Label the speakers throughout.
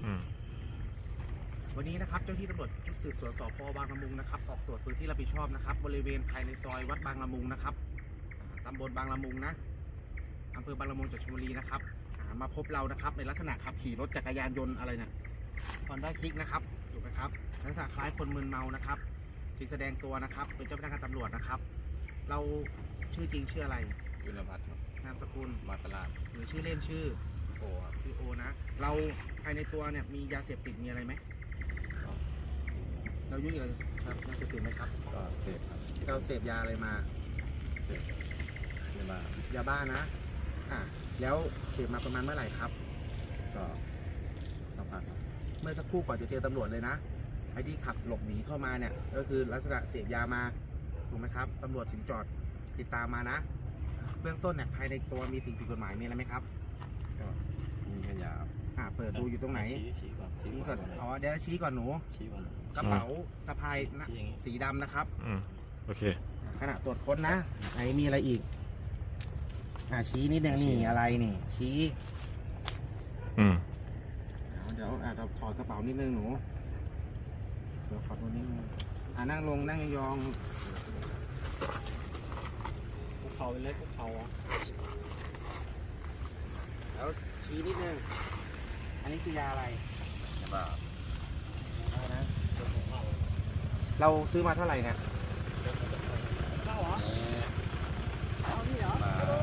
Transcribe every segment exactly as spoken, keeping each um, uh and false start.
Speaker 1: วันนี้นะครับเจ้าที่ตำรวจชุดสืบสวนสพบางละมุงนะครับออกตรวจพื้นที่รับผิดชอบนะครับบริเวณภายในซอยวัดบางละมุงนะครับตำบลบางละมุงนะอำเภอบางละมุงจังหวัดชลบุรีนะครับมาพบเรานะครับในลักษณะขับขี่รถจักรยานยนต์อะไรเนี่ยฮอนด้าคลิกนะครับถูกไหมครับลักษณะคล้ายคนมึนเมานะครับจึงแสดงตัวนะครับเป็นเจ้าพนักงานตำรวจนะครับเราชื่อจริงชื่ออะไร
Speaker 2: ยุนพัฒน์ครับ
Speaker 1: นามสกุล
Speaker 2: มาตลาด
Speaker 1: หรือชื่อเล่นชื่อ
Speaker 2: โอครับ
Speaker 1: ชื่อโอนะเราภายในตัวเนี่ยมียาเสพติดมีอะไรไหมเรายุ่งเกี่ยวกับยาเสพติดไหมครับ
Speaker 2: ก็เสพครับ
Speaker 1: เราเสพยาอะไรมา
Speaker 2: เสพยาบ้าย
Speaker 1: าบ้านะอ่ะแล้วเสพมาประมาณเมื่อไหร่ครับ
Speaker 2: ก็สักพัก
Speaker 1: เมื่อสักครู่ก่อนจะเจอตำรวจเลยนะไอ้ที่ขับหลบหนีเข้ามาเนี่ยก็คือลักษณะเสพยามาถูกไหมครับตำรวจถึงจอดติดตามมานะเบื้องต้นเนี่ยภายในตัวมีสิ่งผิดกฎหมายมีอะไรไหมครับ
Speaker 2: ก็มีแค่ยา
Speaker 1: อ่าเปิดดูอยู่ตรงไหน
Speaker 2: ชี้ก่อน
Speaker 1: ชี้ก่อนอ๋อเดี๋ยวชี้ก่อนหนู
Speaker 2: ชี้ก่อน
Speaker 1: กระเป๋าสะพายนะสีดำนะครับ
Speaker 3: อืมโอเค
Speaker 1: ขณะตรวจค้นนะไหนมีอะไรอีกอ่าชี้นิดนึงนี่อะไรนี่ชี้
Speaker 3: อืม
Speaker 1: เดี๋ยวอาจจะถอดกระเป๋านิดนึงหนูเดี๋ยวขอตัวนิดนึงอ่านั่งลงนั่งยอง
Speaker 2: ภูเขาเล็กภูเขาอ่ะ
Speaker 1: แล้วชี้นิดนึงอันนี้คือยาอะไร
Speaker 2: ยาบ้า
Speaker 1: นะเราซื้อมาเท่าไหร่เนี่ย
Speaker 2: เข้าเหรอเอานี่เหรอ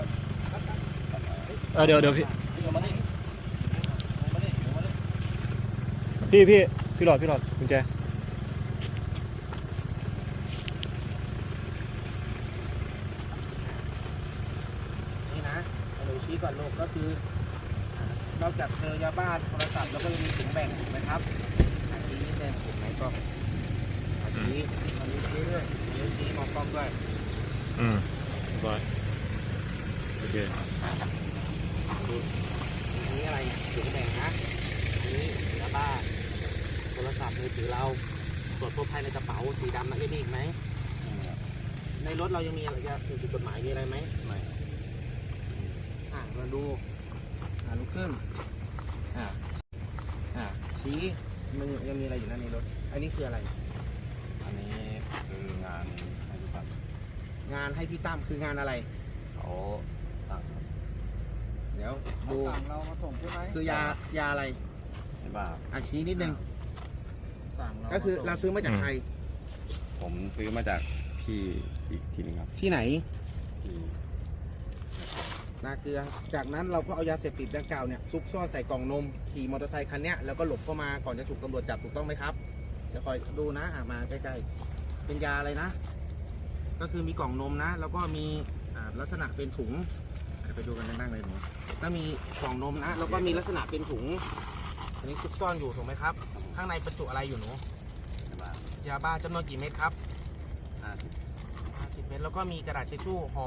Speaker 3: เออเดี๋ยวเดี๋ยวพี่
Speaker 2: มาดิมาดิมาดิ
Speaker 3: พี่พี่พี่หลอดพี่หลอดกุญแจ
Speaker 1: นี่นะเราชี้ก่อนลูกก็คือนอกจากเจอยาบ้าโทรศัพท์แล้วก็ยังมีถุงแบ่งถูกไหมครับชี้นิดนึงถูกไหมก็ชี้มันมีชี้ด้วยนิ้วชี้มองกล้องด้วย
Speaker 3: อืมบอยโอเค
Speaker 1: อันนี้อะไรถุงแบ่งนะอันนี้ยาบ้าโทรศัพท์มือถือเราตรวจพบภายในกระเป๋าสีดำนะยังมีอีกไหมในรถเรายังมีอะไรจะสิ่งผิดกฎหมายมีอะไรไหม
Speaker 2: ไม่
Speaker 1: อ่ามาดูอ่าลุกขึ้นอ่าอ่าชี้มันยังมีอะไรอยู่นั่นในรถอันนี้คืออะไร
Speaker 2: อันนี้คืองานให้พี่ตั้ม
Speaker 1: งานให้พี่ตั้มคืองานอะไร
Speaker 2: เขาสั่ง
Speaker 1: เดี๋ยวดู
Speaker 2: สั่งเรามาส่งใช่ไหม
Speaker 1: คือยายาอะไร
Speaker 2: ไม่บ้า
Speaker 1: อาชี้นิดนึงก็คือเราซื้อมาจากใคร
Speaker 2: ผมซื้อมาจากพี่อีกทีนึงครับ
Speaker 1: ที่ไหน
Speaker 2: ที่
Speaker 1: นาเกลือจากนั้นเราก็เอายาเสพติดดังกล่าวเนี่ยซุกซ่อนใส่กล่องนมขี่มอเตอร์ไซค์คันนี้แล้วก็หลบเข้ามาก่อนจะถูกตำรวจจับถูกต้องไหมครับจะคอยดูนะอ่ามาใกล้ๆเป็นยาอะไรนะก็คือมีกล่องนมนะแล้วก็มีลักษณะเป็นถุงไปดูกันนั่งๆเลยหนูถ้ามีกล่องนมนะแล้วก็มีลักษณะเป็นถุงอันนี้ซุกซ่อนอยู่ถูกไหมครับข้างในบรรจุอะไรอยู่หนูยาบ้าจำนวนกี่เม็ดครับ
Speaker 2: ห้าสิบ
Speaker 1: ห้าสิบเม็ดแล้วก็มีกระดาษเช็ดชู่ห่อ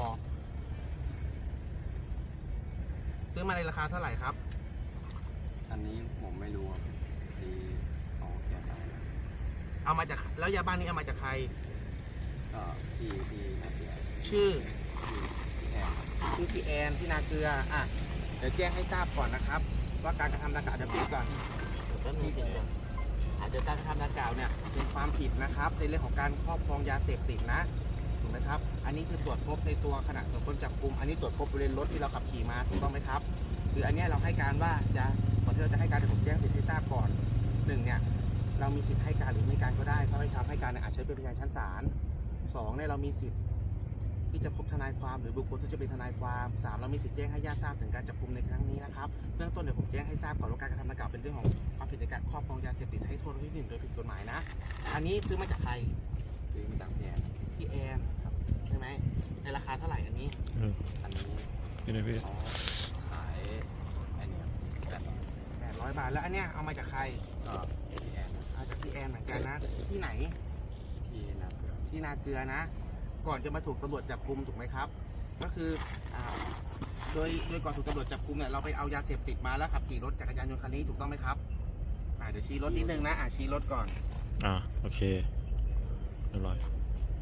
Speaker 1: ซื้อมาในราคาเท่าไหร่ครับ
Speaker 2: อันนี้ผมไม่รู้ที่เขาเขียนเอา
Speaker 1: เอามาจากแล้วยาบ้านี้เอามาจากใคร
Speaker 2: ก็พี่พี่นาเกลือ
Speaker 1: ชื่อ
Speaker 2: พี่แอน
Speaker 1: ชื่อพี่แอนที่นาเกลืออ่ะเดี๋ยวแจ้งให้ทราบก่อนนะครับว่าการกระทำดังกล่าวจะผิดก่อนแป๊บนึงเดี๋ยวอาจจะการกระทำดังกล่าวเนี่ยเป็นความผิดนะครับในเรื่องของการครอบครองยาเสพติดนะถูกไหมครับอันนี้คือตรวจพบในตัวขณะตรวจค้นจับกุมอันนี้ตรวจพบบริเวณรถที่เราขับขี่มาถูกต้องไหมครับคืออันนี้เราให้การว่าจะก่อนที่เราจะให้การผมแจ้งสิทธิให้ทราบก่อนหนึ่งเนี่ยเรามีสิทธิ์ให้การหรือไม่การก็ได้ถ้าไม่ทำให้การอาจใช้เป็นพยานชั้นศาลสองเนี่ยเรามีสิทธิ์ที่จะพบทนายความหรือบุคคลที่จะเป็นทนายความสามเรามีสิทธิ์แจ้งให้ญาติทราบถึงการจับกุมในครั้งนี้นะครับเบื้องต้นเดี๋ยวผมแจ้งให้ทราบก่อนว่าการกระทำดังกล่าวเป็นเรื่องของความผิดในการครอบครองยาเสพติดให้โทษที่หนึ่งโดยผิดกฎหมายนะอันนี้ซื้อมาจากใคร
Speaker 2: ซื้อมาจากพี่แอน
Speaker 1: พี่แอนครับใช่ไหมในราคาเท่าไหร่อันนี้
Speaker 2: อันนี้
Speaker 3: พี่นายพี่
Speaker 2: เขาขายไอ้นี่แปดร้อย
Speaker 1: แปดร้อยบาทแล้วอันเนี้ยเอามาจากใคร
Speaker 2: ก็พี่แอน
Speaker 1: เอาจากพี่แอนเหมือนกันนะที่ไหน
Speaker 2: ที่นาเกลือ
Speaker 1: ที่นาเกลือนะก่อนจะมาถูกตำรวจจับกุมถูกไหมครับก็คือโดยโดยก่อนถูกตำรวจจับกุมเนี่ยเราไปเอายาเสพติดมาแล้วขับขี่รถจักรยานยนต์คันนี้ถูกต้องไหมครับอ่าเดี๋ยวชี้รถนิดนึงนะอ่าชี้รถก่อน
Speaker 3: อ่าโอเคเรียบร้อย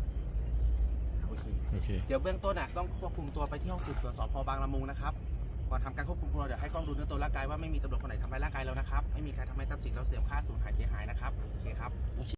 Speaker 1: โอเคโอเคเดี๋ยวเบื้องต้นอ่ะต้องควบคุมตัวไปที่ห้องสืบสวนสพบางละมุงนะครับก่อนทำการควบคุมตัวเดี๋ยวให้กล้องดูเนื้อตัวร่างกายว่าไม่มีตำรวจคนไหนทำร้ายร่างกายเรานะครับไม่มีใครทำให้ทรัพย์สินเราเสื่อมค่าสูญหายเสียหายนะครับโอเคครับ